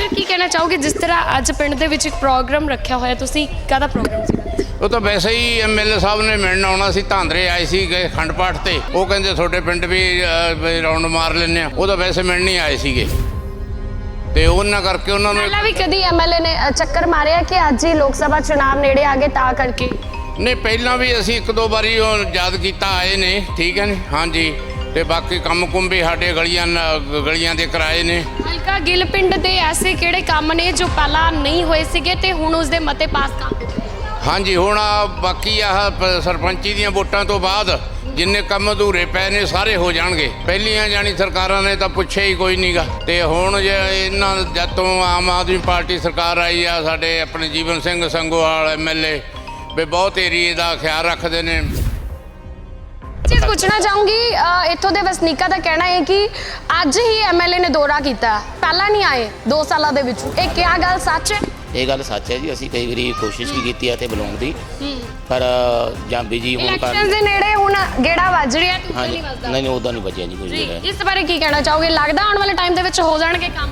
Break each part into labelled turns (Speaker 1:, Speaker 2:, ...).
Speaker 1: Sir ਕੀ ਕਹਿਣਾ ਚਾਹੋਗੇ ਜਿਸ ਤਰ੍ਹਾਂ ਅੱਜ ਪਿੰਡ ਦੇ ਵਿੱਚ ਇੱਕ ਪ੍ਰੋਗਰਾਮ ਰੱਖਿਆ ਹੋਇਆ ਤੁਸੀਂ ਕਾਹਦਾ ਪ੍ਰੋਗਰਾਮ ਸੀ?
Speaker 2: ਉਹ ਤਾਂ ਵੈਸੇ ਹੀ ਐਮਐਲਏ ਸਾਹਿਬ ਨੇ ਮਿਲਣ ਆਉਣਾ ਸੀ। ਧਾਂਦਰੇ ਆਏ ਸੀ ਗਏ ਅਖੰਡ ਪਾਠ ਤੇ, ਉਹ ਕਹਿੰਦੇ ਤੁਹਾਡੇ ਪਿੰਡ ਵੀ ਰਾਉਂਡ ਮਾਰ ਲੈਂਦੇ ਆ। ਉਹ ਤਾਂ ਵੈਸੇ ਮਿਲਣ ਹੀ ਆਏ ਸੀਗੇ ਤੇ ਉਹਨਾਂ ਕਰਕੇ ਉਹਨਾਂ ਨੂੰ
Speaker 1: ਪਹਿਲਾਂ ਵੀ ਕਦੀ ਐਮਐਲਏ ਨੇ ਚੱਕਰ ਮਾਰਿਆ ਕਿ ਅੱਜ ਹੀ ਲੋਕ ਸਭਾ ਚੁਣਾਵ ਨੇੜੇ ਆ ਗਏ ਤਾਂ ਕਰਕੇ?
Speaker 2: ਨਹੀਂ, ਪਹਿਲਾਂ ਵੀ ਅਸੀਂ ਇੱਕ ਦੋ ਵਾਰੀ ਉਹ ਯਾਦ ਕੀਤਾ ਆਏ ਨੇ, ਠੀਕ ਹੈ ਨੀ। ਹਾਂਜੀ, ਤੇ ਬਾਕੀ ਕੰਮ ਕੁੰਮ ਵੀ ਸਾਡੇ ਗਲੀਆਂ ਦੇ ਕਰਾਏ ਨੇ।
Speaker 1: ਹਲਕਾ ਗਿੱਲ ਪਿੰਡ ਦੇ ਐਸੇ ਕਿਹੜੇ ਕੰਮ ਨੇ ਜੋ ਪਹਿਲਾਂ ਨਹੀਂ ਹੋਏ ਸੀਗੇ ਤੇ ਹੁਣ ਉਸ ਦੇ ਮਤੇ ਪਾਸ ਕਰ ਦਿੱਤੇ?
Speaker 2: ਹਾਂਜੀ, ਹੁਣ ਬਾਕੀ ਆਹ ਸਰਪੰਚੀ ਦੀਆਂ ਵੋਟਾਂ ਤੋਂ ਬਾਅਦ ਜਿੰਨੇ ਕੰਮ ਅਧੂਰੇ ਪਏ ਨੇ ਸਾਰੇ ਹੋ ਜਾਣਗੇ। ਪਹਿਲੀਆਂ ਜਾਣੀ ਸਰਕਾਰਾਂ ਨੇ ਤਾਂ ਪੁੱਛਿਆ ਹੀ ਕੋਈ ਨਹੀਂਗਾ, ਤੇ ਹੁਣ ਜੇ ਇਹਨਾਂ ਜਦ ਤੋਂ ਆਮ ਆਦਮੀ ਪਾਰਟੀ ਸਰਕਾਰ ਆਈ ਆ, ਸਾਡੇ ਆਪਣੇ ਜੀਵਨ ਸਿੰਘ ਸੰਗੋਵਾਲ ਐਮਐਲਏ ਵੀ ਬਹੁਤ ਏਰੀਏ ਦਾ ਖਿਆਲ ਰੱਖਦੇ ਨੇ।
Speaker 1: ਚੀਜ਼ ਪੁੱਛਣਾ ਚਾਹੂੰਗੀ, ਇੱਥੋਂ ਦੇ ਵਸਨੀਕਾਂ ਦਾ ਕਹਿਣਾ ਹੈ ਕਿ ਅੱਜ ਹੀ ਐਮਐਲਏ ਨੇ ਦੌਰਾ ਕੀਤਾ, ਪਹਿਲਾਂ ਨਹੀਂ ਆਏ 2 ਸਾਲਾਂ ਦੇ ਵਿੱਚ। ਇਹ ਕਿਆ ਗੱਲ ਸੱਚ ਹੈ?
Speaker 3: ਇਹ ਗੱਲ ਸੱਚ ਹੈ ਜੀ। ਅਸੀਂ ਕਈ ਵਾਰੀ ਕੋਸ਼ਿਸ਼ ਵੀ ਕੀਤੀ ਹੈ ਤੇ ਬੁਲਾਉਣ ਦੀ, ਪਰ ਜਾਂ ਬਿਜੀ ਹੋਣ
Speaker 1: ਇਲੈਕਸ਼ਨ ਦੇ ਨੇੜੇ ਹੁਣ ਗੇੜਾ ਵੱਜ ਰਿਹਾ ਤੇ
Speaker 3: ਹਾਂਜੀ, ਨਹੀਂ ਉਦਾਂ ਨਹੀਂ ਬਚਿਆ ਜੀ ਕੁਝ
Speaker 1: ਜੀ। ਇਸ ਬਾਰੇ ਕੀ ਕਹਿਣਾ ਚਾਹੋਗੇ? ਲੱਗਦਾ ਆਉਣ ਵਾਲੇ ਟਾਈਮ ਦੇ ਵਿੱਚ ਹੋ ਜਾਣਗੇ ਕੰਮ?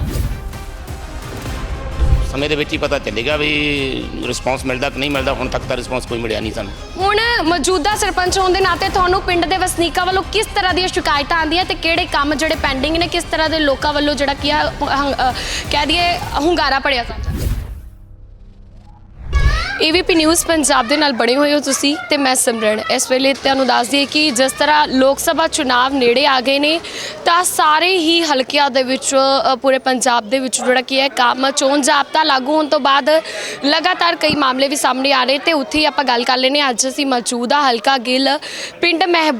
Speaker 3: ਸਮੇਂ ਦੇ ਵਿੱਚ ਹੀ ਪਤਾ ਚੱਲੇਗਾ ਵੀ ਰਿਸਪੌਂਸ ਮਿਲਦਾ ਕਿ ਨਹੀਂ ਮਿਲਦਾ। ਹੁਣ ਤੱਕ ਤਾਂ ਰਿਸਪੌਂਸ ਕੋਈ ਮਿਲਿਆ ਨਹੀਂ ਸਾਨੂੰ।
Speaker 1: ਹੁਣ ਮੌਜੂਦਾ ਸਰਪੰਚ ਹੋਣ ਦੇ ਨਾਤੇ ਤੁਹਾਨੂੰ ਪਿੰਡ ਦੇ ਵਸਨੀਕਾਂ ਵੱਲੋਂ ਕਿਸ ਤਰ੍ਹਾਂ ਦੀਆਂ ਸ਼ਿਕਾਇਤਾਂ ਆਉਂਦੀਆਂ ਤੇ ਕਿਹੜੇ ਕੰਮ ਜਿਹੜੇ ਪੈਂਡਿੰਗ ਨੇ, ਕਿਸ ਤਰ੍ਹਾਂ ਦੇ ਲੋਕਾਂ ਵੱਲੋਂ ਜਿਹੜਾ ਕੀ ਕਹਿ ਦਈਏ ਹੁੰਗਾਰਾ ਭਰਿਆ ਜਾਂਦਾ? AVP ਨਿਊਜ਼ ਪੰਜਾਬ ਦੇ ਨਾਲ ਬਣੇ ਹੋਏ ਹੋ ਤੁਸੀਂ ਤੇ ਮੈਂ ਸਿਮਰਨ। ਇਸ ਵੇਲੇ ਤੁਹਾਨੂੰ ਦੱਸ ਦਈਏ ਕਿ ਜਿਸ ਤਰ੍ਹਾਂ ਲੋਕ ਸਭਾ ਚੁਣਾਵ ਨੇੜੇ ਆ ਗਏ ਨੇ ਤਾਂ ਸਾਰੇ ਹੀ ਹਲਕਿਆਂ ਦੇ ਵਿੱਚ ਪੂਰੇ ਪੰਜਾਬ ਦੇ ਵਿੱਚ ਜਿਹੜਾ ਕੀ ਹੈ ਕੰਮ ਚੋਣ ਜ਼ਾਬਤਾ ਲਾਗੂ ਹੋਣ ਤੋਂ ਬਾਅਦ ਲਗਾਤਾਰ ਕਈ ਮਾਮਲੇ ਵੀ ਸਾਹਮਣੇ ਆ ਰਹੇ ਤੇ ਉੱਥੇ ਹੀ ਆਪਾਂ ਗੱਲ ਕਰ ਲੈਂਦੇ ਹਾਂ। ਅੱਜ ਅਸੀਂ ਮੌਜੂਦ ਹਾਂ ਹਲਕਾ ਗਿੱਲ ਪਿੰਡ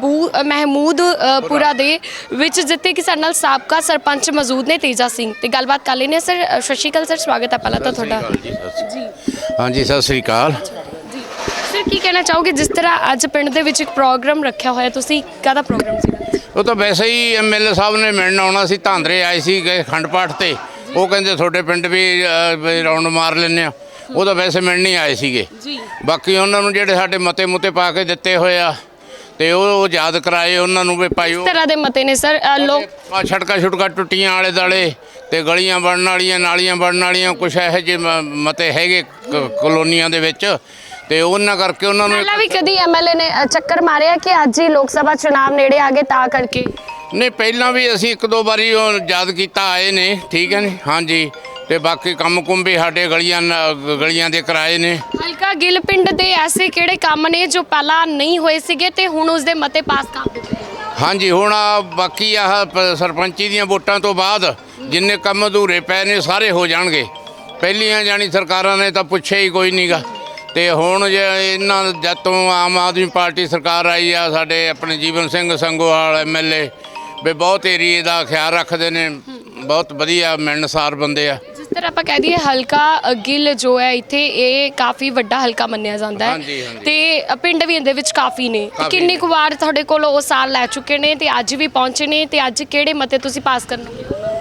Speaker 1: ਮਹਿਮੂਦਪੁਰਾ ਦੇ ਵਿੱਚ, ਜਿੱਥੇ ਕਿ ਸਾਡੇ ਨਾਲ ਸਾਬਕਾ ਸਰਪੰਚ ਮੌਜੂਦ ਨੇ ਤੇਜਾ ਸਿੰਘ, ਤੇ ਗੱਲਬਾਤ ਕਰ ਲੈਂਦੇ ਹਾਂ। ਸਰ ਸਤਿ ਸ਼੍ਰੀ ਅਕਾਲ। ਸਰ ਸਵਾਗਤ ਹੈ ਪਹਿਲਾਂ ਤਾਂ ਤੁਹਾਡਾ ਜੀ।
Speaker 2: ਹਾਂਜੀ, ਸਤਿ ਸ੍ਰੀ ਅਕਾਲ
Speaker 1: ਜੀ ਸਰ ਕੀ ਕਹਿਣਾ ਚਾਹੋਗੇ ਜਿਸ ਤਰ੍ਹਾਂ ਅੱਜ ਪਿੰਡ ਦੇ ਵਿੱਚ ਇੱਕ ਪ੍ਰੋਗਰਾਮ ਰੱਖਿਆ ਹੋਇਆ ਤੁਸੀਂ ਕਾਹਦਾ ਪ੍ਰੋਗਰਾਮ ਸੀ?
Speaker 2: ਉਹ ਤਾਂ ਵੈਸੇ ਹੀ ਐਮਐਲਏ ਸਾਹਿਬ ਨੇ ਮਿਲਣ ਆਉਣਾ ਸੀ। ਧਾਂਦਰੇ ਆਏ ਸੀ ਗਏ ਅਖੰਡ ਪਾਠ ਤੇ, ਉਹ ਕਹਿੰਦੇ ਤੁਹਾਡੇ ਪਿੰਡ ਵੀ ਰਾਉਂਡ ਮਾਰ ਲੈਂਦੇ ਆ। ਉਹ ਤਾਂ ਵੈਸੇ ਮਿਲਣ ਹੀ ਆਏ ਸੀਗੇ। ਬਾਕੀ ਉਹਨਾਂ ਨੂੰ ਜਿਹੜੇ ਸਾਡੇ ਮਤੇ ਮੁਤੇ ਪਾ ਕੇ ਦਿੱਤੇ ਹੋਏ ਆ ਤੇ ਉਹ ਯਾਦ ਕਰਾਏ ਉਹਨਾਂ ਨੂੰ ਵੀ ਭਾਈ ਉਹ
Speaker 1: ਤਰ੍ਹਾਂ ਦੇ ਮਤੇ ਨੇ ਸਰ। ਲੋਕ
Speaker 2: ਛੜਕਾ ਟੁੱਟੀਆਂ ਆਲੇ ਦਾਲੇ ਤੇ ਗਲੀਆਂ ਬਣਨ ਵਾਲੀਆਂ, ਨਾਲੀਆਂ ਬਣਨ ਵਾਲੀਆਂ, ਕੁਛ ਇਹੋ ਜਿਹੇ ਮਤੇ ਹੈਗੇ ਕਲੋਨੀਆਂ ਦੇ ਵਿੱਚ, ਤੇ ਉਹਨਾਂ ਕਰਕੇ ਉਹਨਾਂ ਨੂੰ
Speaker 1: ਪਹਿਲਾਂ ਵੀ ਕਦੀ ਐਮਐਲਏ ਨੇ ਚੱਕਰ ਮਾਰਿਆ ਕਿ ਅੱਜ ਹੀ ਲੋਕ ਸਭਾ ਚੁਣਾਵ ਨੇੜੇ ਆ ਗਏ ਤਾਂ ਕਰਕੇ?
Speaker 2: ਨਹੀਂ, ਪਹਿਲਾਂ ਵੀ ਅਸੀਂ ਇੱਕ ਦੋ ਵਾਰੀ ਉਹ ਯਾਦ ਕੀਤਾ ਆਏ ਨੇ, ਠੀਕ ਹੈ ਨੀ। ਹਾਂਜੀ, ਤੇ ਬਾਕੀ ਕੰਮ ਕੁੰਮ ਵੀ ਸਾਡੇ ਗਲੀਆਂ ਦੇ ਕਰਾਏ ਨੇ।
Speaker 1: ਹਲਕਾ ਗਿੱਲ ਪਿੰਡ ਦੇ ਐਸੇ ਕਿਹੜੇ ਕੰਮ ਨੇ ਜੋ ਪਹਿਲਾਂ ਨਹੀਂ ਹੋਏ ਸੀਗੇ ਤੇ ਹੁਣ ਉਸ ਦੇ ਮਤੇ ਪਾਸ ਕਰ ਦਿੱਤੇ?
Speaker 2: ਹਾਂਜੀ, ਹੁਣ ਬਾਕੀ ਆਹ ਸਰਪੰਚੀ ਦੀਆਂ ਵੋਟਾਂ ਤੋਂ ਬਾਅਦ ਜਿੰਨੇ ਕੰਮ ਅਧੂਰੇ ਪਏ ਨੇ ਸਾਰੇ ਹੋ ਜਾਣਗੇ। ਪਹਿਲੀਆਂ ਜਾਣੀ ਸਰਕਾਰਾਂ ਨੇ ਤਾਂ ਪੁੱਛਿਆ ਹੀ ਕੋਈ ਨਹੀਂਗਾ, ਤੇ ਹੁਣ ਜੇ ਇਹਨਾਂ ਜਦ ਤੋਂ ਆਮ ਆਦਮੀ ਪਾਰਟੀ ਸਰਕਾਰ ਆਈ ਆ, ਸਾਡੇ ਆਪਣੇ ਜੀਵਨ ਸਿੰਘ ਸੰਗੋਵਾਲ ਐਮਐਲਏ ਵੀ ਬਹੁਤ ਏਰੀਏ ਦਾ ਖਿਆਲ ਰੱਖਦੇ ਨੇ। ਬਹੁਤ ਵਧੀਆ ਮਿਲਣਸਾਰ ਬੰਦੇ ਆ।
Speaker 1: ਜਿਸ ਤਰ੍ਹਾਂ ਆਪਾਂ ਕਹਿ ਦਈਏ ਹਲਕਾ ਗਿੱਲ ਜੋ ਹੈ ਇੱਥੇ ਇਹ ਕਾਫੀ ਵੱਡਾ ਹਲਕਾ ਮੰਨਿਆ ਜਾਂਦਾ ਹੈ ਤੇ ਪਿੰਡ ਵੀ ਇਹਦੇ ਵਿੱਚ ਕਾਫੀ ਨੇ। ਕਿੰਨੀ ਕੁ ਵਾਰ ਤੁਹਾਡੇ ਕੋਲ ਉਹ ਸਾਲ ਲੈ ਚੁੱਕੇ ਨੇ ਤੇ ਅੱਜ ਵੀ ਪਹੁੰਚੇ ਨੇ, ਤੇ ਅੱਜ ਕਿਹੜੇ ਮਤੇ ਤੁਸੀਂ ਪਾਸ ਕਰਨਗੇ?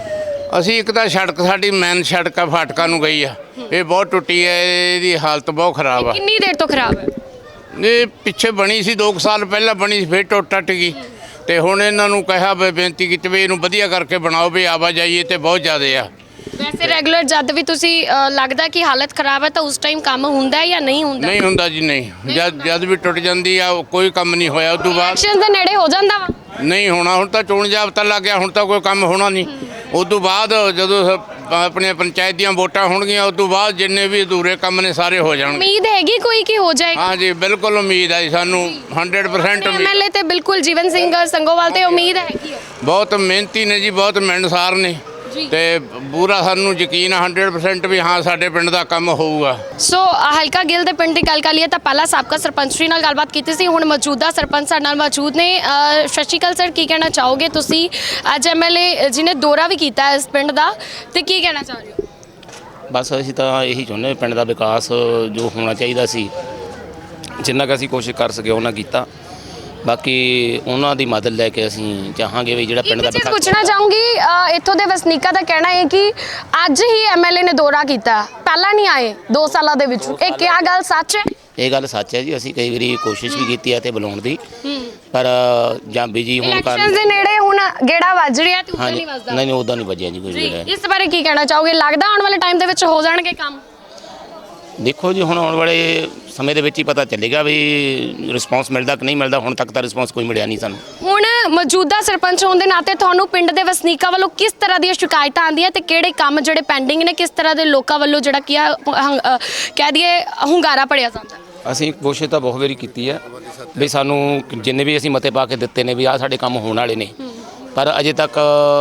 Speaker 2: ਅਸੀਂ ਇੱਕ ਤਾਂ ਸੜਕ ਸਾਡੀ ਮੇਨ ਸੜਕ ਆ ਫਾਟਕਾਂ ਨੂੰ ਗਈ ਆ, ਇਹ ਬਹੁਤ ਟੁੱਟੀ ਹੈ, ਇਹਦੀ ਹਾਲਤ ਬਹੁਤ ਖਰਾਬ ਆ।
Speaker 1: ਕਿੰਨੀ ਦੇਰ ਤੋਂ ਖਰਾਬ ਹੈ?
Speaker 2: ਇਹ ਪਿੱਛੇ ਬਣੀ ਸੀ 2 ਸਾਲ ਪਹਿਲਾਂ ਬਣੀ ਸੀ, ਫਿਰ ਟੁੱਟ ਗਈ। ਤੇ ਹੁਣ ਇਹਨਾਂ ਨੂੰ ਕਿਹਾ ਵੀ ਬੇਨਤੀ ਕੀਤੀ ਵੀ ਇਹਨੂੰ ਵਧੀਆ ਕਰਕੇ ਬਣਾਓ ਵੀ ਆਵਾਜਾਈ ਤੇ ਬਹੁਤ ਜ਼ਿਆਦਾ ਆ।
Speaker 1: ਵੈਸੇ ਰੈਗੂਲਰ ਜਦ ਵੀ ਤੁਸੀਂ ਲੱਗਦਾ ਕਿ ਹਾਲਤ ਖਰਾਬ ਹੈ ਤਾਂ ਉਸ ਟਾਈਮ ਕੰਮ ਹੁੰਦਾ ਹੈ ਜਾਂ ਨਹੀਂ ਹੁੰਦਾ?
Speaker 2: ਨਹੀਂ ਹੁੰਦਾ ਜੀ, ਨਹੀਂ। ਜਦ ਵੀ ਟੁੱਟ ਜਾਂਦੀ ਆ ਕੋਈ ਕੰਮ ਨਹੀਂ ਹੋਇਆ। ਉਦੋਂ ਬਾਅਦ
Speaker 1: ਇਲੈਕਸ਼ਨ ਦੇ ਨੇੜੇ ਹੋ ਜਾਂਦਾ ਵਾ?
Speaker 2: ਨਹੀਂ ਹੋਣਾ, ਹੁਣ ਤਾਂ ਚੋਣ ਜ਼ਾਬਤਾ ਲੱਗ ਗਿਆ, ਹੁਣ ਤਾਂ ਕੋਈ ਕੰਮ ਹੋਣਾ ਨਹੀਂ। ਉਦੋਂ ਬਾਅਦ ਜਦੋਂ ਆਪਣੀਆਂ ਪੰਚਾਇਤ ਦੀਆਂ ਵੋਟਾਂ ਹੋਣਗੀਆਂ ਉਦੋਂ ਬਾਅਦ ਜਿੰਨੇ ਵੀ ਅਧੂਰੇ ਕੰਮ ਨੇ ਸਾਰੇ ਹੋ ਜਾਣਗੇ।
Speaker 1: ਉਮੀਦ ਹੈਗੀ ਕੋਈ ਕਿ ਹੋ ਜਾਏਗਾ?
Speaker 2: ਹਾਂ ਜੀ, ਬਿਲਕੁਲ ਉਮੀਦ ਹੈ ਸਾਨੂੰ 100% ਉਮੀਦ।
Speaker 1: ਐਮਐਲਏ ਤੇ ਬਿਲਕੁਲ ਜੀਵਨ ਸਿੰਘ ਸੰਗੋਵਾਲ ਤੇ ਉਮੀਦ ਹੈਗੀ ਹੈ।
Speaker 2: ਬਹੁਤ ਮਿਹਨਤੀ ਨੇ ਜੀ, ਬਹੁਤ ਮਿਲਣਸਾਰ ਨੇ ਤੇ ਪੂਰਾ ਸਾਨੂੰ ਯਕੀਨ 100% ਵੀ ਹਾਂ ਸਾਡੇ ਪਿੰਡ ਦਾ ਕੰਮ ਹੋਊਗਾ।
Speaker 1: ਸੋ ਹਲਕਾ ਗਿੱਲ ਦੇ ਪਿੰਡ ਦੀ ਗੱਲ ਕਰ ਲਈਏ ਤਾਂ ਪਹਿਲਾਂ ਸਾਬਕਾ ਸਰਪੰਚ ਨਾਲ ਗੱਲਬਾਤ ਕੀਤੀ ਸੀ, ਹੁਣ ਮੌਜੂਦਾ ਸਰਪੰਚ ਸਾਡੇ ਨਾਲ ਮੌਜੂਦ ਨੇ। ਸਤਿ ਸ਼੍ਰੀ ਅਕਾਲ ਸਰ, ਕੀ ਕਹਿਣਾ ਚਾਹੋਗੇ ਤੁਸੀਂ? ਅੱਜ ਐਮਐਲਏ ਜਿਹਨੇ ਦੌਰਾ ਵੀ ਕੀਤਾ ਇਸ ਪਿੰਡ ਦਾ, ਤੇ ਕੀ ਕਹਿਣਾ ਚਾਹ ਰਹੇ ਹੋ?
Speaker 3: ਬਸ ਅਸੀਂ ਤਾਂ ਇਹੀ ਚਾਹੁੰਦੇ ਪਿੰਡ ਦਾ ਵਿਕਾਸ ਜੋ ਹੋਣਾ ਚਾਹੀਦਾ ਸੀ, ਜਿੰਨਾ ਕੁ ਅਸੀਂ ਕੋਸ਼ਿਸ਼ ਕਰ ਸਕੇ ਉਹਨਾਂ ਕੀਤਾ। ਬਾਕੀ ਉਹਨਾਂ ਦੀ ਮਦਦ ਲੈ ਕੇ ਅਸੀਂ ਚਾਹਾਂਗੇ ਵੀ ਜਿਹੜਾ ਪਿੰਡ ਦਾ
Speaker 1: ਵਿਕਾਸ ਪੁੱਛਣਾ ਚਾਹੂੰਗੀ, ਇੱਥੋਂ ਦੇ ਵਸਨੀਕਾਂ ਦਾ ਕਹਿਣਾ ਹੈ ਕਿ ਅੱਜ ਹੀ ਐਮਐਲਏ ਨੇ ਦੌਰਾ ਕੀਤਾ, ਪਹਿਲਾਂ ਨਹੀਂ ਆਏ 2 ਸਾਲਾਂ ਦੇ ਵਿੱਚ। ਇਹ ਕਿਆ ਗੱਲ ਸੱਚ ਹੈ?
Speaker 3: ਇਹ ਗੱਲ ਸੱਚ ਹੈ ਜੀ। ਅਸੀਂ ਕਈ ਵਾਰੀ ਕੋਸ਼ਿਸ਼ ਵੀ ਕੀਤੀ ਹੈ ਤੇ ਬੁਲਾਉਣ ਦੀ, ਪਰ ਜਾਂ ਬਿਜੀ ਹੋਣ
Speaker 1: ਇਲੈਕਸ਼ਨਸ
Speaker 3: ਕਾਰਨ
Speaker 1: ਦੇ ਨੇੜੇ ਹੁਣ ਗੇੜਾ ਵੱਜ ਰਿਹਾ ਤੇ ਉੱਦਾਂ
Speaker 3: ਹਾਂਜੀ
Speaker 1: ਨਹੀਂ ਵੱਜਦਾ।
Speaker 3: ਨਹੀਂ ਉਦਾਂ ਨਹੀਂ ਵੱਜਿਆ ਜੀ ਕੋਈ
Speaker 1: ਜੀ
Speaker 3: ਜਿਹੜਾ।
Speaker 1: ਇਸ ਬਾਰੇ ਕੀ ਕਹਿਣਾ ਚਾਹੋਗੇ? ਲੱਗਦਾ ਆਉਣ ਵਾਲੇ ਟਾਈਮ ਦੇ ਵਿੱਚ ਹੋ ਜਾਣਗੇ ਕੰਮ?
Speaker 3: ਦੇਖੋ ਜੀ ਹੁਣ ਆਉਣ ਵਾਲੇ ਸਮੇਂ ਦੇ ਵਿੱਚ ਹੀ ਪਤਾ ਚੱਲੇਗਾ ਵੀ ਰਿਸਪੌਂਸ ਮਿਲਦਾ ਕਿ ਨਹੀਂ ਮਿਲਦਾ। ਹੁਣ ਤੱਕ ਤਾਂ ਰਿਸਪੌਂਸ ਕੋਈ ਮਿਲਿਆ ਨਹੀਂ ਸਾਨੂੰ।
Speaker 1: ਹੁਣ ਮੌਜੂਦਾ ਸਰਪੰਚ ਹੋਣ ਦੇ ਨਾਤੇ ਤੁਹਾਨੂੰ ਪਿੰਡ ਦੇ ਵਸਨੀਕਾਂ ਵੱਲੋਂ ਕਿਸ ਤਰ੍ਹਾਂ ਦੀਆਂ ਸ਼ਿਕਾਇਤਾਂ ਆਉਂਦੀਆਂ ਤੇ ਕਿਹੜੇ ਕੰਮ ਜਿਹੜੇ ਪੈਂਡਿੰਗ ਨੇ, ਕਿਸ ਤਰ੍ਹਾਂ ਦੇ ਲੋਕਾਂ ਵੱਲੋਂ ਜਿਹੜਾ ਕੀ ਆ ਕਹਿ ਦਈਏ ਹੁੰਗਾਰਾ ਭਰਿਆ ਜਾਂਦਾ?
Speaker 3: ਅਸੀਂ ਕੋਸ਼ਿਸ਼ ਤਾਂ ਬਹੁਤ ਵਾਰੀ ਕੀਤੀ ਹੈ ਵੀ ਸਾਨੂੰ ਜਿੰਨੇ ਵੀ ਅਸੀਂ ਮਤੇ ਪਾ ਕੇ ਦਿੱਤੇ ਨੇ ਵੀ ਆਹ ਸਾਡੇ ਕੰਮ ਹੋਣ ਵਾਲੇ ਨੇ, ਪਰ ਅਜੇ ਤੱਕ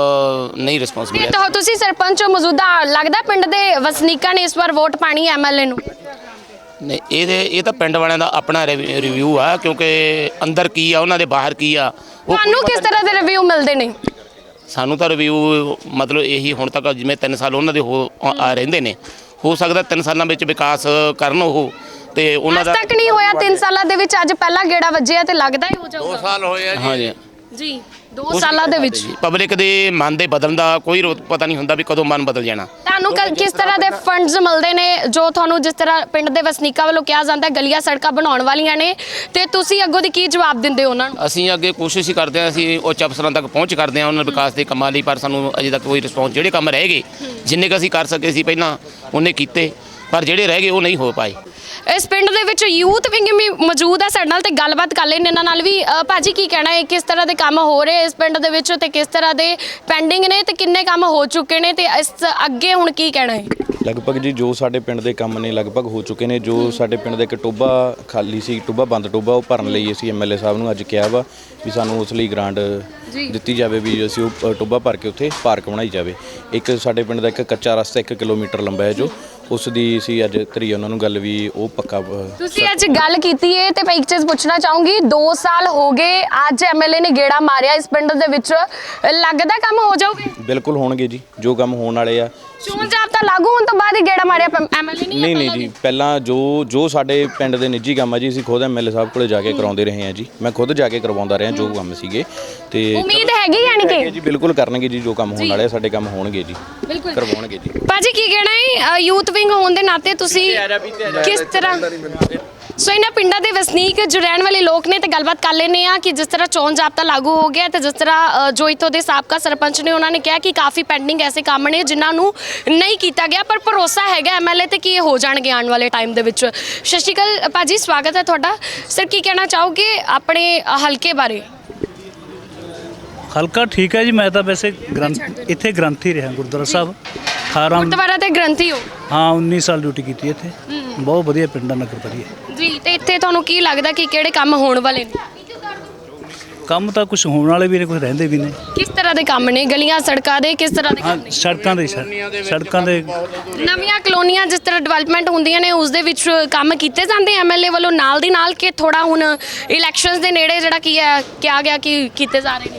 Speaker 3: ਨਹੀਂ ਰਿਸਪੌਂਸ ਮਿਲਿਆ।
Speaker 1: ਤਾਂ ਤੁਸੀਂ ਸਰਪੰਚ ਹੋ ਮੌਜੂਦਾ, ਲੱਗਦਾ ਪਿੰਡ ਦੇ ਵਸਨੀਕਾਂ ਨੇ ਇਸ ਵਾਰ ਵੋਟ ਪਾਣੀ ਐਮਐਲਏ ਨੂੰ?
Speaker 3: ਨਹੀਂ ਇਹ ਤਾਂ ਪਿੰਡ ਵਾਲਿਆਂ ਦਾ ਆਪਣਾ ਰਿਵਿਊ ਆ, ਕਿਉਂਕਿ ਅੰਦਰ ਕੀ ਆ ਉਹਨਾਂ ਦੇ ਬਾਹਰ ਕੀ ਆ ਉਹ
Speaker 1: ਤੁਹਾਨੂੰ ਕਿਸ ਤਰ੍ਹਾਂ ਦੇ ਰਿਵਿਊ ਮਿਲਦੇ ਨੇ?
Speaker 3: ਸਾਨੂੰ ਤਾਂ ਰਿਵਿਊ ਮਤਲਬ ਇਹੀ ਹੁਣ ਤੱਕ ਜਿਵੇਂ 3 ਸਾਲ ਉਹਨਾਂ ਦੇ ਰਹਿੰਦੇ ਨੇ, ਹੋ ਸਕਦਾ 3 ਸਾਲਾਂ ਵਿੱਚ ਵਿਕਾਸ ਕਰਨ ਉਹ, ਤੇ ਉਹਨਾਂ ਦਾ
Speaker 1: ਅੱਜ ਤੱਕ ਨਹੀਂ ਹੋਇਆ 3 ਸਾਲਾਂ ਦੇ ਵਿੱਚ, ਅੱਜ ਪਹਿਲਾ ਗੇੜਾ ਵੱਜਿਆ ਤੇ ਲੱਗਦਾ ਹੀ ਹੋ
Speaker 2: 2
Speaker 1: ਜਾਊਗਾ।
Speaker 2: ਸਾਲ ਹੋਏ ਆ ਜੀ।
Speaker 3: ਹਾਂਜੀ
Speaker 1: ਜੀ 2 ਸਾਲਾਂ ਦੇ ਵਿੱਚ
Speaker 3: ਪਬਲਿਕ ਦੇ ਮਨ ਦੇ ਬਦਲਣ ਦਾ ਕੋਈ ਪਤਾ ਨਹੀਂ ਹੁੰਦਾ ਵੀ ਕਦੋਂ ਮਨ ਬਦਲ ਜਾਣਾ।
Speaker 1: ਤੁਹਾਨੂੰ ਕਿਸ ਤਰ੍ਹਾਂ ਦੇ ਫੰਡਸ ਮਿਲਦੇ ਨੇ ਜੋ ਤੁਹਾਨੂੰ ਜਿਸ ਤਰ੍ਹਾਂ ਪਿੰਡ ਦੇ ਵਸਨੀਕਾਂ ਵੱਲੋਂ ਕਿਹਾ ਜਾਂਦਾ ਗਲੀਆਂ ਸੜਕਾਂ ਬਣਾਉਣ ਵਾਲੀਆਂ ਨੇ, ਤੇ ਤੁਸੀਂ ਅੱਗੋਂ ਦੀ ਕੀ ਜਵਾਬ ਦਿੰਦੇ ਹੋ ਉਹਨਾਂ ਨੂੰ?
Speaker 3: ਅਸੀਂ ਅੱਗੇ ਕੋਸ਼ਿਸ਼ ਹੀ ਕਰਦੇ ਹਾਂ, ਅਸੀਂ ਉੱਚ ਅਫਸਰਾਂ ਤੱਕ ਪਹੁੰਚ ਕਰਦੇ ਹਾਂ ਉਹਨਾਂ ਵਿਕਾਸ ਦੇ ਕੰਮਾਂ ਲਈ, ਪਰ ਸਾਨੂੰ ਅਜੇ ਤੱਕ ਕੋਈ ਰਿਸਪੌਂਸ, ਜਿਹੜੇ ਕੰਮ ਰਹਿ ਗਏ ਜਿੰਨੇ ਕੁ ਅਸੀਂ ਕਰ ਸਕੇ ਸੀ ਪਹਿਲਾਂ ਉਹਨੇ ਕੀਤੇ, ਪਰ ਜਿਹੜੇ ਰਹਿ ਗਏ ਉਹ ਨਹੀਂ ਹੋ ਪਾਏ।
Speaker 1: ਇਸ ਪਿੰਡ ਦੇ ਵਿੱਚ ਯੂਥ ਵਿੰਗ ਵੀ ਮੌਜੂਦ ਹੈ ਸਾਡੇ ਨਾਲ ਤੇ ਗੱਲਬਾਤ ਕਰ ਲੈਣੇ ਇਹਨਾਂ ਨਾਲ ਵੀ। ਭਾਜੀ ਕੀ ਕਹਿਣਾ ਹੈ, ਕਿਸ ਤਰ੍ਹਾਂ ਦੇ ਕੰਮ ਹੋ ਰਹੇ ਇਸ ਪਿੰਡ ਦੇ ਵਿੱਚ ਤੇ ਕਿਸ ਤਰ੍ਹਾਂ ਦੇ ਪੈਂਡਿੰਗ ਨੇ ਤੇ ਕਿੰਨੇ ਕੰਮ ਹੋ ਚੁੱਕੇ ਨੇ ਤੇ ਇਸ ਅੱਗੇ ਹੁਣ ਕੀ ਕਹਿਣਾ ਹੈ?
Speaker 4: ਲਗਭਗ ਜੀ ਜੋ ਸਾਡੇ ਪਿੰਡ ਦੇ ਕੰਮ ਨੇ ਲਗਭਗ ਹੋ ਚੁੱਕੇ ਨੇ। ਜੋ ਸਾਡੇ ਪਿੰਡ ਦਾ ਇੱਕ ਟੋਭਾ ਖਾਲੀ ਸੀ, ਟੋਭਾ ਬੰਦ ਟੋਭਾ, ਉਹ ਭਰਨ ਲਈ ਅਸੀਂ ਐਮਐਲਏ ਸਾਹਿਬ ਨੂੰ ਅੱਜ ਕਿਹਾ ਵਾ ਵੀ ਸਾਨੂੰ ਉਸ ਲਈ ਗ੍ਰਾਂਟ ਦਿੱਤੀ ਜਾਵੇ ਵੀ ਅਸੀਂ ਉਹ ਟੋਭਾ ਭਰ ਕੇ ਉੱਥੇ ਪਾਰਕ ਬਣਾਈ ਜਾਵੇ। ਇੱਕ ਸਾਡੇ ਪਿੰਡ ਦਾ ਇੱਕ ਕੱਚਾ ਰਸਤਾ 1 ਕਿਲੋਮੀਟਰ ਲੰਬਾ ਹੈ ਜੋ ਉਸ ਦੀ ਅਸੀਂ ਅੱਜ ਕਰੀ ਉਹਨਾਂ ਨੂੰ ਗੱਲ ਵੀ ਉਹ ਪੱਕਾ।
Speaker 1: ਤੁਸੀਂ ਅੱਜ ਗੱਲ ਕੀਤੀ ਹੈ ਤੇ ਮੈਂ ਇੱਕ ਚੀਜ਼ ਪੁੱਛਣਾ ਚਾਹੂੰਗੀ, 2 ਸਾਲ ਹੋ ਗਏ ਅੱਜ ਐਮਐਲਏ ਨੇ ਗੇੜਾ ਮਾਰਿਆ ਇਸ ਪਿੰਡ ਦੇ ਵਿੱਚ, ਲੱਗਦਾ ਕੰਮ ਹੋ ਜਾਊਗੇ?
Speaker 4: ਬਿਲਕੁਲ ਹੋਣਗੇ ਜੀ, ਜੋ ਕੰਮ ਹੋਣ ਵਾਲੇ ਆ।
Speaker 1: ਚੋਣ ਜਾਬਤਾ ਲਾਗੂ ਹੋਣ ਤੋਂ ਬਾਅਦ ਹੀ ਗੇੜਾ ਮਾਰਿਆ ਐਮਐਲਏ
Speaker 4: ਨਹੀਂ ਜੀ, ਪਹਿਲਾਂ ਜੋ ਸਾਡੇ ਪਿੰਡ ਦੇ ਨਿੱਜੀ ਕੰਮ ਆ ਜੀ ਅਸੀਂ ਖੁਦ ਐਮਐਲਏ ਸਾਹਿਬ ਕੋਲੇ ਜਾ ਕੇ ਕਰਾਉਂਦੇ ਰਹੇ ਹਾਂ ਜੀ। ਮੈਂ ਖੁਦ ਜਾ ਕੇ ਕਰਵਾਉਂਦਾ ਰਿਹਾ ਜੋ ਕੰਮ ਸੀਗੇ, ਤੇ
Speaker 1: ਉਮੀਦ ਹੈਗੀ ਯਾਨੀ ਕਿ
Speaker 4: ਜੀ ਬਿਲਕੁਲ ਕਰਨਗੇ ਜੀ, ਜੋ ਕੰਮ ਹੋਣ ਵਾਲੇ ਆ ਸਾਡੇ ਕੰਮ ਹੋਣਗੇ ਜੀ,
Speaker 1: ਬਿਲਕੁਲ
Speaker 4: ਕਰਵਾਉਣਗੇ ਜੀ।
Speaker 1: ਭਾਜੀ ਕੀ ਕਹਿਣਾ ਹੈ, ਯੂਥ ਵਿੰਗ ਹੋਣ ਦੇ ਨਾਤੇ ਤੁਸੀਂ ਕਿਸ ਤਰ੍ਹਾਂ ਸੋ ਇਹਨਾਂ ਪਿੰਡਾਂ ਦੇ ਵਸਨੀਕ ਜੋ ਰਹਿਣ ਵਾਲੇ ਲੋਕ ਨੇ ਤੇ ਗੱਲਬਾਤ ਕਰ ਲੈਂਦੇ ਆ ਕਿ ਜਿਸ ਤਰ੍ਹਾਂ ਚੋਣ ਜਾਬਤਾ ਲਾਗੂ ਹੋ ਗਿਆ ਤੇ ਜਿਸ ਤਰ੍ਹਾਂ ਜੋ ਇੱਥੋਂ ਦੇ ਸਾਬਕਾ ਸਰਪੰਚ ਨੇ ਉਹਨਾਂ ਨੇ ਕਿਹਾ ਕਿ ਕਾਫੀ ਪੈਂਡਿੰਗ ਐਸੇ ਕੰਮ ਨੇ ਜਿਨ੍ਹਾਂ ਨੂੰ ਨਹੀਂ ਕੀਤਾ ਗਿਆ, ਪਰ ਭਰੋਸਾ ਹੈਗਾ ਐਮਐਲਏ ਤੇ ਕਿ ਇਹ ਹੋ ਜਾਣਗੇ ਆਉਣ ਵਾਲੇ ਟਾਈਮ ਦੇ ਵਿੱਚ। ਸਤਿ ਸ਼੍ਰੀ ਅਕਾਲ ਭਾਜੀ, ਸਵਾਗਤ ਹੈ ਤੁਹਾਡਾ। ਸਰ ਕੀ ਕਹਿਣਾ ਚਾਹੋਗੇ ਆਪਣੇ ਹਲਕੇ ਬਾਰੇ?
Speaker 5: ਹਲਕਾ ਠੀਕ ਹੈ ਜੀ, ਮੈਂ ਤਾਂ ਵੈਸੇ ਇੱਥੇ ਗ੍ਰੰਥੀ ਰਿਹਾ ਗੁਰਦੁਆਰਾ ਸਾਹਿਬ 18
Speaker 1: ਗੁਰਦੁਆਰਾ ਤੇ ਗ੍ਰੰਥੀ ਹੋ?
Speaker 5: ਹਾਂ 19 ਸਾਲ ਡਿਊਟੀ ਕੀਤੀ ਇੱਥੇ। ਬਹੁਤ ਵਧੀਆ ਪਿੰਡ ਆ, ਨਗਰ ਵਧੀਆ
Speaker 1: ਜੀ। ਤੇ ਇੱਥੇ ਤੁਹਾਨੂੰ ਕੀ ਲੱਗਦਾ ਕਿ ਕਿਹੜੇ ਕੰਮ ਹੋਣ ਵਾਲੇ ਨੇ?
Speaker 5: ਕੰਮ ਤਾਂ ਕੁਝ ਹੋਣ ਵਾਲੇ ਵੀ ਨੇ, ਕੁਝ ਰਹਿੰਦੇ ਵੀ ਨੇ।
Speaker 1: ਕਿਸ ਤਰ੍ਹਾਂ ਦੇ ਕੰਮ ਨੇ? ਗਲੀਆਂ ਸੜਕਾਂ ਦੇ ਕਿਸ ਤਰ੍ਹਾਂ ਦੇ
Speaker 5: ਹਾਂ
Speaker 1: ਕੰਮ ਨੇ?
Speaker 5: ਸੜਕਾਂ ਦੇ
Speaker 1: ਨਵੀਆਂ ਕਲੋਨੀਆਂ ਜਿਸ ਤਰ੍ਹਾਂ ਡਿਵੈਲਪਮੈਂਟ ਹੁੰਦੀਆਂ ਨੇ ਉਸ ਦੇ ਵਿੱਚ ਕੰਮ ਕੀਤੇ ਜਾਂਦੇ ਐਮਐਲਏ ਵੱਲੋਂ ਨਾਲ ਦੀ ਨਾਲ, ਕਿ ਥੋੜਾ ਹੁਣ ਇਲੈਕਸ਼ਨਸ ਦੇ ਨੇੜੇ ਜਿਹੜਾ ਕੀ ਹੈ ਕਿਹਾ ਗਿਆ ਕਿ ਕੀਤੇ ਜਾ ਰਹੇ ਨੇ?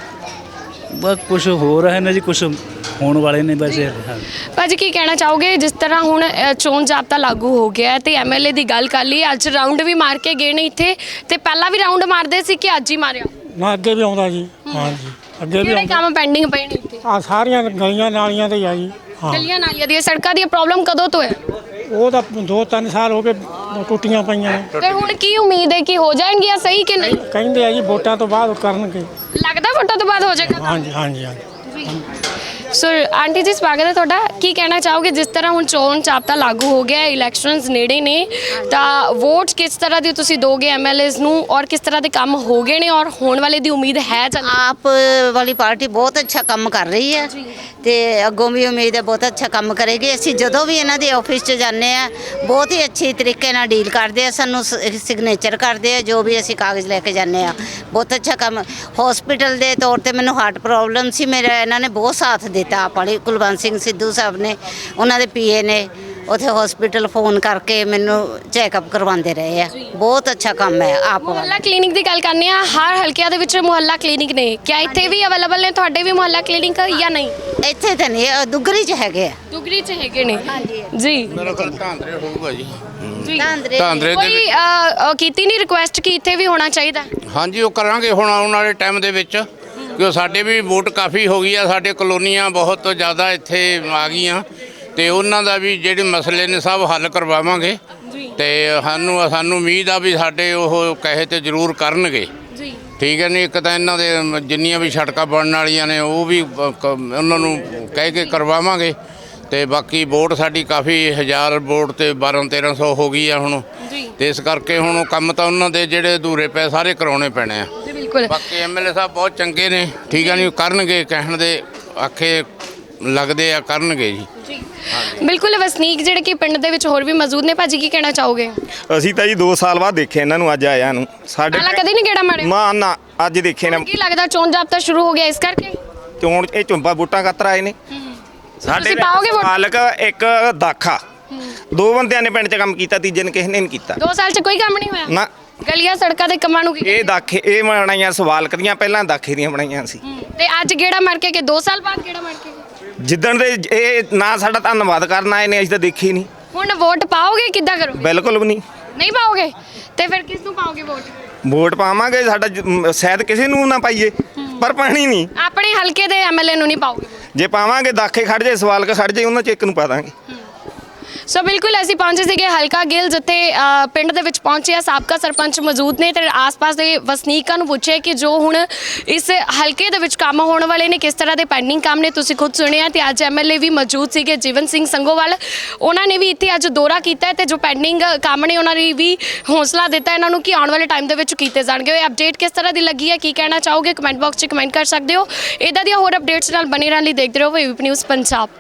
Speaker 5: ਬਸ ਕੁਝ ਹੋ ਰਹੇ ਨੇ ਜੀ, ਕੁਝ ਹੋਣ ਵਾਲੇ ਨੇ ਵੈਸੇ। ਹਾਂ
Speaker 1: ਭਾਜੀ ਕੀ ਕਹਿਣਾ ਚਾਹੋਗੇ, ਜਿਸ ਤਰ੍ਹਾਂ ਹੁਣ ਚੋਣ ਜਾਬਤਾ ਲਾਗੂ ਹੋ ਗਿਆ ਤੇ ਐਮਐਲਏ ਦੀ ਗੱਲ ਕਰ ਲਈ, ਅੱਜ ਰਾਉਂਡ ਵੀ ਮਾਰ ਕੇ ਗਏ ਨੇ ਇੱਥੇ, ਤੇ ਪਹਿਲਾਂ ਵੀ ਰਾਉਂਡ ਮਾਰਦੇ ਸੀ ਕਿ ਅੱਜ ਹੀ ਮਾਰਿਆ?
Speaker 6: ਨਾ ਅੱਗੇ ਵੀ ਆਉਂਦਾ ਜੀ। ਹਾਂਜੀ ਅੱਗੇ ਵੀ
Speaker 1: ਕਿਹੜੇ
Speaker 6: ਆਉਂਦਾ।
Speaker 1: ਕੰਮ ਪੈਂਡਿੰਗ ਪਏ ਨੇ ਇੱਥੇ?
Speaker 6: ਆ ਸਾਰੀਆਂ ਗਲੀਆਂ ਨਾਲੀਆਂ ਤੇ ਆ ਜੀ। ਹਾਂ
Speaker 1: ਗਲੀਆਂ ਨਾਲੀਆਂ ਦੀਆਂ ਸੜਕਾਂ ਦੀਆਂ ਪ੍ਰੋਬਲਮ ਕਦੋਂ ਤੋਂ ਹੈ?
Speaker 6: ਉਹ ਤਾਂ 2-3 ਸਾਲ ਹੋ ਗਏ ਟੁੱਟੀਆਂ ਪਈਆਂ ਨੇ।
Speaker 1: ਤੇ ਹੁਣ ਕੀ ਉਮੀਦ ਹੈ ਕਿ ਹੋ ਜਾਣਗੀਆਂ ਸਹੀ ਕਿ ਨਹੀਂ?
Speaker 6: ਕਹਿੰਦੇ ਆ ਜੀ ਵੋਟਾਂ ਤੋਂ ਬਾਅਦ ਕਰਨਗੇ।
Speaker 1: ਲੱਗਦਾ ਵੋਟਾਂ ਤੋਂ ਬਾਅਦ ਹੋ ਜਾਏਗਾ?
Speaker 6: ਹਾਂਜੀ ਹਾਂਜੀ ਹਾਂਜੀ।
Speaker 1: ਸੋ ਆਂਟੀ ਜੀ ਸਵਾਗਤ ਹੈ ਤੁਹਾਡਾ। ਕੀ ਕਹਿਣਾ ਚਾਹੋਗੇ, ਜਿਸ ਤਰ੍ਹਾਂ ਹੁਣ ਚੋਣ ਜਾਬਤਾ ਲਾਗੂ ਹੋ ਗਿਆ, ਇਲੈਕਸ਼ਨਸ ਨੇੜੇ ਨੇ, ਤਾਂ ਵੋਟ ਕਿਸ ਤਰ੍ਹਾਂ ਦੀ ਤੁਸੀਂ ਦੋਗੇ ਐਮਐਲਏਜ਼ ਨੂੰ, ਔਰ ਕਿਸ ਤਰ੍ਹਾਂ ਦੇ ਕੰਮ ਹੋ ਗਏ ਨੇ ਔਰ ਹੋਣ ਵਾਲੇ ਦੀ ਉਮੀਦ ਹੈ?
Speaker 7: ਆਪ ਵਾਲੀ ਪਾਰਟੀ ਬਹੁਤ ਅੱਛਾ ਕੰਮ ਕਰ ਰਹੀ ਹੈ ਤੇ ਅੱਗੋਂ ਵੀ ਉਮੀਦ ਹੈ ਬਹੁਤ ਅੱਛਾ ਕੰਮ ਕਰੇਗੀ। ਅਸੀਂ ਜਦੋਂ ਵੀ ਇਹਨਾਂ ਦੇ ਆਫਿਸ 'ਚ ਜਾਂਦੇ ਆ ਬਹੁਤ ਹੀ ਅੱਛੇ ਤਰੀਕੇ ਨਾਲ ਡੀਲ ਕਰਦੇ ਆ, ਸਾਨੂੰ ਸਿਗਨੇਚਰ ਕਰਦੇ ਆ ਜੋ ਵੀ ਅਸੀਂ ਕਾਗਜ਼ ਲੈ ਕੇ ਜਾਂਦੇ ਆ। ਬਹੁਤ ਅੱਛਾ ਕੰਮ। ਹਸਪੀਟਲ ਦੇ ਤੌਰ ਤੇ ਮੈਨੂੰ ਹਾਰਟ ਪ੍ਰੋਬਲਮ ਸੀ, ਮੇਰਾ ਇਹਨਾਂ ਨੇ ਬਹੁਤ ਸਾਥ ਦਿੱਤਾ। ਆਪ ਵਾਲੀ ਕੁਲਵੰਤ ਸਿੰਘ ਸਿੱਧੂ ਸਾਹਿਬ ਨੇ, ਉਹਨਾਂ ਦੇ ਪੀਏ ਨੇ ਉੱਥੇ ਹਸਪੀਟਲ ਫੋਨ ਕਰਕੇ ਮੈਨੂੰ ਚੈੱਕਅਪ ਕਰਵਾਉਂਦੇ ਰਹੇ ਆ। ਬਹੁਤ ਅੱਛਾ ਕੰਮ ਹੈ ਆਪ ਵਾਲਾ।
Speaker 1: ਮੁਹੱਲਾ ਕਲੀਨਿਕ ਦੀ ਗੱਲ ਕਰਨੀ ਆ, ਹਰ ਹਲਕਿਆਂ ਦੇ ਵਿੱਚ ਮੁਹੱਲਾ ਕਲੀਨਿਕ ਨੇ, ਕਿਆ ਇੱਥੇ ਵੀ ਅਵੇਲੇਬਲ ਨੇ ਤੁਹਾਡੇ ਵੀ ਮੁਹੱਲਾ ਕਲੀਨਿਕ ਜਾਂ ਨਹੀਂ?
Speaker 7: ਇੱਥੇ ਤਾਂ ਨਹੀਂ, ਦੁੱਗਰੀ 'ਚ ਹੈਗੇ ਆ।
Speaker 1: ਦੁਗਰੀ 'ਚ ਹੈਗੇ ਨੇ ਜੀ।
Speaker 2: ਮੇਰਾ ਖਿਆਲ ਧਾਂਦਰੇ ਹੋਊਗਾ ਜੀ।
Speaker 7: ਧਾਂਦਰੇ
Speaker 2: ਦੇ
Speaker 1: ਕੋਈ ਕੀਤੀ ਨਹੀਂ ਰਿਕੁਐਸਟ ਕਿ ਇੱਥੇ ਵੀ ਹੋਣਾ ਚਾਹੀਦਾ?
Speaker 2: ਹਾਂਜੀ ਉਹ ਕਰਾਂਗੇ ਹੁਣ ਆਉਣ ਵਾਲੇ ਟਾਈਮ ਦੇ ਵਿੱਚ, ਕਿਉਂ ਸਾਡੇ ਵੀ ਵੋਟ ਕਾਫੀ ਹੋ ਗਈ ਆ, ਸਾਡੇ ਕਲੋਨੀਆਂ ਬਹੁਤ ਜ਼ਿਆਦਾ ਇੱਥੇ ਆ ਗਈਆਂ, ਤੇ ਉਹਨਾਂ ਦਾ ਵੀ ਜਿਹੜੇ ਮਸਲੇ ਨੇ ਸਭ ਹੱਲ ਕਰਵਾਵਾਂਗੇ। ਤੇ ਸਾਨੂੰ ਉਮੀਦ ਆ ਵੀ ਸਾਡੇ ਉਹ ਕਹੇ ਤੇ ਜ਼ਰੂਰ ਕਰਨਗੇ
Speaker 1: ਜੀ
Speaker 2: ਠੀਕ ਹੈ ਨਹੀਂ। ਇੱਕ ਤਾਂ ਇਹਨਾਂ ਦੇ ਜਿੰਨੀਆਂ ਵੀ ਸੜਕਾਂ ਬਣਨ ਵਾਲੀਆਂ ਨੇ ਉਹ ਵੀ ਉਹਨਾਂ ਨੂੰ ਕਹਿ ਕੇ ਕਰਵਾਵਾਂਗੇ। ਤੇ ਬਾਕੀ ਵੋਟ ਸਾਡੀ ਕਾਫੀ 1000 ਵੋਟ ਤੇ 1200-1300 ਹੋ ਗਈ ਆ ਹੁਣ।
Speaker 1: ਜੀ
Speaker 2: ਤੇ ਇਸ ਕਰਕੇ ਹੁਣ ਉਹ ਕੰਮ ਤਾਂ ਉਹਨਾਂ ਦੇ ਜਿਹੜੇ ਅਧੂਰੇ ਪਏ ਸਾਰੇ ਕਰਾਉਣੇ ਪੈਣੇ ਆ।
Speaker 1: ਜੀ ਬਿਲਕੁਲ
Speaker 2: ਬਾਕੀ ਐਮਐਲਏ ਸਾਹਿਬ ਬਹੁਤ ਚੰਗੇ ਨੇ ਠੀਕ ਹੈ ਨਹੀਂ, ਕਰਨਗੇ ਕਹਿਣ ਦੇ ਆਖੇ ਲੱਗਦੇ ਆ ਕਰਨਗੇ ਜੀ।
Speaker 1: ਜੀ ਬਿਲਕੁਲ ਵਸਨੀਕ ਜਿਹੜੇ ਕਿ ਪਿੰਡ ਦੇ ਵਿੱਚ ਹੋਰ ਵੀ ਮੌਜੂਦ ਨੇ। ਭਾਜੀ ਕੀ ਕਹਿਣਾ ਚਾਹੋਗੇ?
Speaker 8: ਅਸੀਂ ਤਾਂ ਜੀ 2 ਸਾਲ ਬਾਅਦ ਦੇਖਿਆ ਇਹਨਾਂ ਨੂੰ, ਅੱਜ ਆਇਆ ਨੂੰ ਸਾਡੇ
Speaker 1: ਪਹਿਲਾਂ ਕਦੇ ਨਹੀਂ ਗੇੜਾ ਮਾਰਿਆ?
Speaker 8: ਮਾਂ ਨਾ ਅੱਜ ਦੇਖੇ ਨੇ।
Speaker 1: ਕੀ ਲੱਗਦਾ ਚੋਣ ਜਾਬਤਾ ਸ਼ੁਰੂ ਹੋ ਗਿਆ ਇਸ ਕਰਕੇ?
Speaker 8: ਚੋਣ ਇਹ ਝੁੰਬਾ ਬੂਟਾਂ ਖਾਤਰ ਆਏ ਨੇ ਸਾਡੇ।
Speaker 1: ਤੁਸੀਂ ਪਾਓਗੇ ਵੋਟ?
Speaker 8: ਮਾਲਕ ਇੱਕ ਦਾਖਾ 2 ਬੰਦਿਆਂ ਨੇ ਪਿੰਡ 'ਚ ਕੰਮ ਕੀਤਾ, ਤੀਜੇ ਨੇ ਕਿਸੇ ਨੇ ਨਹੀਂ ਕੀਤਾ
Speaker 1: 2 ਸਾਲ 'ਚ ਕੋਈ ਕੰਮ ਨਹੀਂ ਹੋਇਆ?
Speaker 8: ਨਾ।
Speaker 1: ਗਲੀਆਂ ਸੜਕਾਂ ਦੇ ਕੰਮਾਂ ਨੂੰ ਕੀ
Speaker 8: ਇਹ ਦਾਖੇ ਇਹ ਬਣਾਈਆਂ ਸਵਾਲਕ ਦੀਆਂ, ਪਹਿਲਾਂ ਦਾਖੇ ਦੀਆਂ ਬਣਾਈਆਂ ਸੀ।
Speaker 1: ਤੇ ਅੱਜ ਗੇੜਾ ਮਾਰ ਕੇ ਕਿ 2 ਸਾਲ ਬਾਅਦ ਗੇੜਾ ਮਾਰ ਕੇ?
Speaker 8: ਜਿੱਦਣ ਦੇ ਇਹ ਨਾ ਸਾਡਾ ਧੰਨਵਾਦ ਕਰਨ ਆਏ ਨੇ, ਅਸੀਂ ਤਾਂ ਦੇਖੇ ਹੀ ਨਹੀਂ।
Speaker 1: ਹੁਣ ਵੋਟ ਪਾਓਗੇ ਕਿੱਦਾਂ ਕਰੋਗੇ?
Speaker 8: ਬਿਲਕੁਲ ਵੀ ਨਹੀਂ।
Speaker 1: ਨਹੀਂ ਪਾਓਗੇ ਤੇ ਫਿਰ ਕਿਸ ਨੂੰ ਪਾਓਗੇ ਵੋਟ?
Speaker 8: ਵੋਟ ਪਾਵਾਂਗੇ ਸਾਡਾ ਸ਼ਾਇਦ ਕਿਸੇ ਨੂੰ ਨਾ ਪਾਈਏ, ਪਰ ਪਾਣੀ ਨਹੀਂ।
Speaker 1: ਆਪਣੇ ਹਲਕੇ ਦੇ ਐਮਐਲਏ ਨੂੰ ਨਹੀਂ ਪਾਓਗੇ?
Speaker 8: ਜੇ ਪਾਵਾਂਗੇ ਦਾਖੇ ਖੜ ਜੇ ਸਵਾਲਕ ਖੜ ਜੇ, ਉਹਨਾਂ 'ਚ ਇੱਕ ਨੂੰ ਪਾ ਦਾਂਗੇ।
Speaker 1: ਸੋ ਬਿਲਕੁਲ ਅਸੀਂ ਪਹੁੰਚੇ ਸੀਗੇ ਹਲਕਾ ਗਿੱਲ, ਜਿੱਥੇ ਪਿੰਡ ਦੇ ਵਿੱਚ ਪਹੁੰਚੇ ਆ ਸਾਬਕਾ ਸਰਪੰਚ ਮੌਜੂਦ ਨੇ ਤੇ ਆਸ-ਪਾਸ ਦੇ ਵਸਨੀਕਾਂ ਨੂੰ ਪੁੱਛਿਆ ਕਿ ਜੋ ਹੁਣ ਇਸ ਹਲਕੇ ਦੇ ਵਿੱਚ ਕੰਮ ਹੋਣ ਵਾਲੇ ਨੇ ਕਿਸ ਤਰ੍ਹਾਂ ਦੇ ਪੈਂਡਿੰਗ ਕੰਮ ਨੇ। ਤੁਸੀਂ ਖੁਦ ਸੁਣਿਆ ਤੇ ਅੱਜ ਐਮਐਲਏ ਵੀ ਮੌਜੂਦ ਸੀਗੇ ਜੀਵਨ ਸਿੰਘ ਸੰਗੋਵਾਲ, ਉਹਨਾਂ ਨੇ ਵੀ ਇੱਥੇ ਅੱਜ ਦੌਰਾ ਕੀਤਾ ਤੇ ਜੋ ਪੈਂਡਿੰਗ ਕੰਮ ਨੇ ਉਹਨਾਂ ਨੇ ਵੀ ਹੌਸਲਾ ਦਿੱਤਾ ਇਹਨਾਂ ਨੂੰ ਕਿ ਆਉਣ ਵਾਲੇ ਟਾਈਮ ਦੇ ਵਿੱਚ ਕੀਤੇ ਜਾਣਗੇ। ਇਹ ਅਪਡੇਟ ਕਿਸ ਤਰ੍ਹਾਂ ਦੀ ਲੱਗੀ ਹੈ, ਕੀ ਕਹਿਣਾ ਚਾਹੋਗੇ, ਕਮੈਂਟ ਬਾਕਸ 'ਚ ਕਮੈਂਟ ਕਰ ਸਕਦੇ ਹੋ। ਇਦਾਂ ਦੀਆਂ ਹੋਰ ਅਪਡੇਟਸ ਨਾਲ ਬਣੇ ਰਹਿਣ ਲਈ ਦੇਖਦੇ ਰਹੋ ਏਬੀਪੀ ਨਿਊਜ਼ ਪੰਜਾਬ।